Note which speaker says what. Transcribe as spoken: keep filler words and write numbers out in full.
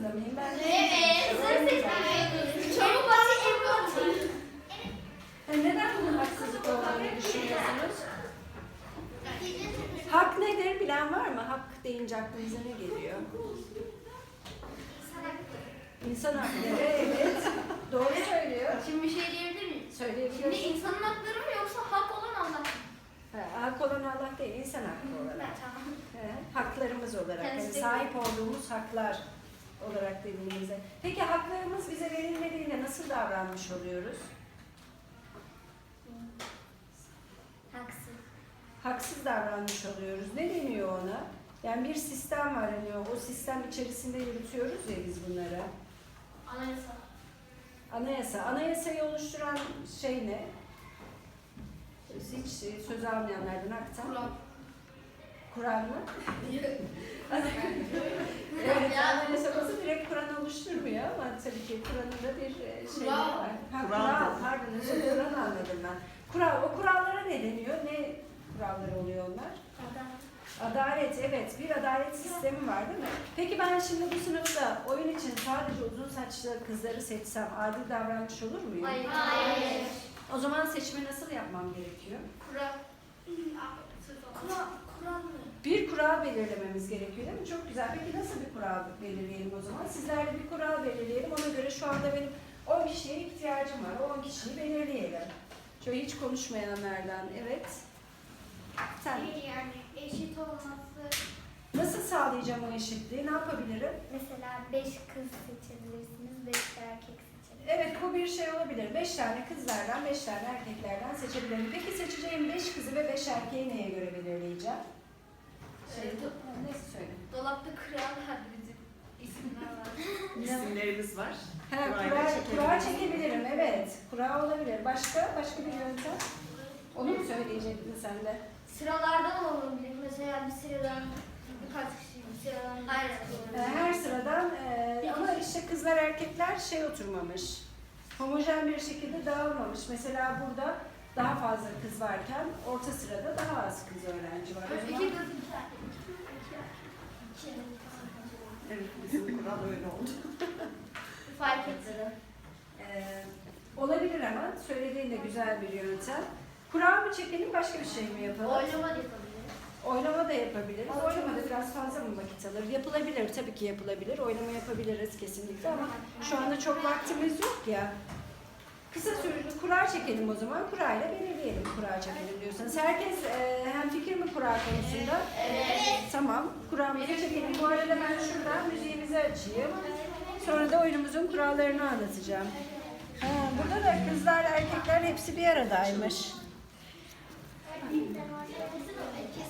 Speaker 1: zorunda mıyım? Ben
Speaker 2: Evet. Çok basit, çok basit.
Speaker 1: E, neden bunun haksızlık olduğunu düşünüyorsunuz? Hak nedir? Bilen var mı? Hak deyince aklınıza ne geliyor? İnsan hakları, evet. Doğru söylüyor.
Speaker 2: Şimdi bir şey diyebilir miyim? Şimdi
Speaker 1: Söyleyebiliyorsun.
Speaker 2: insanın hakları mı yoksa hak olan Allah mı?
Speaker 1: Ha, hak olan Allah değil, insan hakkı olarak.
Speaker 2: Evet, tamam.
Speaker 1: He, haklarımız olarak, yani
Speaker 2: Kendisi-
Speaker 1: sahip olduğumuz haklar olarak dediğimizde. Peki haklarımız bize verilmediğinde nasıl davranmış oluyoruz?
Speaker 2: Haksız.
Speaker 1: Haksız davranmış oluyoruz. Ne deniyor ona? Yani bir sistem var, hani o sistem içerisinde yürütüyoruz ya biz bunları.
Speaker 2: Anayasa.
Speaker 1: Anayasa. Anayasayı oluşturan şey ne? Hiç söz almayanlardan aktan.
Speaker 2: Kur'an.
Speaker 1: Kur'an mı? Evet, anayasası direkt Kur'an oluşturmuyor ama tabii ki Kur'an'ın da bir şey
Speaker 2: Kural.
Speaker 1: var. Ha,
Speaker 3: Kural
Speaker 1: kural,
Speaker 3: dedi.
Speaker 1: pardon, özür dilerim, Kur'an anladım ben. Kural, o kurallara ne deniyor? Ne kuralları oluyor onlar? Adalet, evet. Bir adalet sistemi var değil mi? Peki ben şimdi bu sınıfta oyun için sadece uzun saçlı kızları seçsem adil davranmış olur muyum?
Speaker 2: Hayır. Hayır.
Speaker 1: O zaman seçimi nasıl yapmam gerekiyor?
Speaker 2: Kural. Kural. Kural mı?
Speaker 1: Bir kural belirlememiz gerekiyor değil mi? Çok güzel. Peki nasıl bir kural belirleyelim o zaman? Sizlerle bir kural belirleyelim. Ona göre şu anda benim on kişiye ihtiyacım var. O on kişiyi belirleyelim. Şöyle hiç konuşmayanlardan. Evet. Sen.
Speaker 4: Yani eşit olması,
Speaker 1: Nasıl sağlayacağım o eşitliği? Ne yapabilirim?
Speaker 4: mesela beş kız seçebilirsiniz, beş erkek seçebilirsiniz.
Speaker 1: Evet, bu bir şey olabilir. Beş tane kızlardan, beş tane erkeklerden seçebilirim. Peki seçeceğim beş kızı ve beş erkeği neye göre belirleyeceğim? Şey, ha, neyse söyle.
Speaker 2: Dolapta kral var bizim isimler var.
Speaker 3: İsimlerimiz var.
Speaker 1: Ha,
Speaker 3: Kurayla
Speaker 1: kura,
Speaker 3: çekebiliriz.
Speaker 1: kura çekebilirim, evet. Kura olabilir. Başka? Başka bir yöntem? Onu mu söyleyecektin sen de?
Speaker 4: Sıralardan olabilir. Mesela bir sıradan birkaç kişi bir sıradan.
Speaker 2: Aynen.
Speaker 1: Ee, Her sıradan e, ama işte kızlar erkekler şey oturmamış. Homojen bir şekilde dağılmamış. Mesela burada daha fazla kız varken orta sırada daha az kız öğrenci var. O zaman-
Speaker 2: İki kız, iki erkek.
Speaker 4: İki.
Speaker 3: Evet, bizim kural öyle oldu.
Speaker 2: Fark ettiler.
Speaker 1: Ee, olabilir ama söylediğin de güzel bir yöntem. Kura mı çekelim, başka bir şey mi yapalım?
Speaker 2: Oylama da yapabiliriz.
Speaker 1: Oylama da yapabiliriz. Oylama da biraz fazla mı vakit alır? Yapılabilir, tabii ki yapılabilir. Oylama yapabiliriz kesinlikle ama şu anda çok vaktimiz yok ya. Kısa süreli kura çekelim o zaman. Kurayla belirleyelim kura çekelim diyorsanız. Herkes e, hem fikir mi kura konusunda?
Speaker 2: Evet.
Speaker 1: Tamam. Kuramızı çekelim. Bu arada ben şuradan müziğimizi açayım. Sonra da oyunumuzun kurallarını anlatacağım. Ha, burada da kızlar, erkekler hepsi bir aradaymış.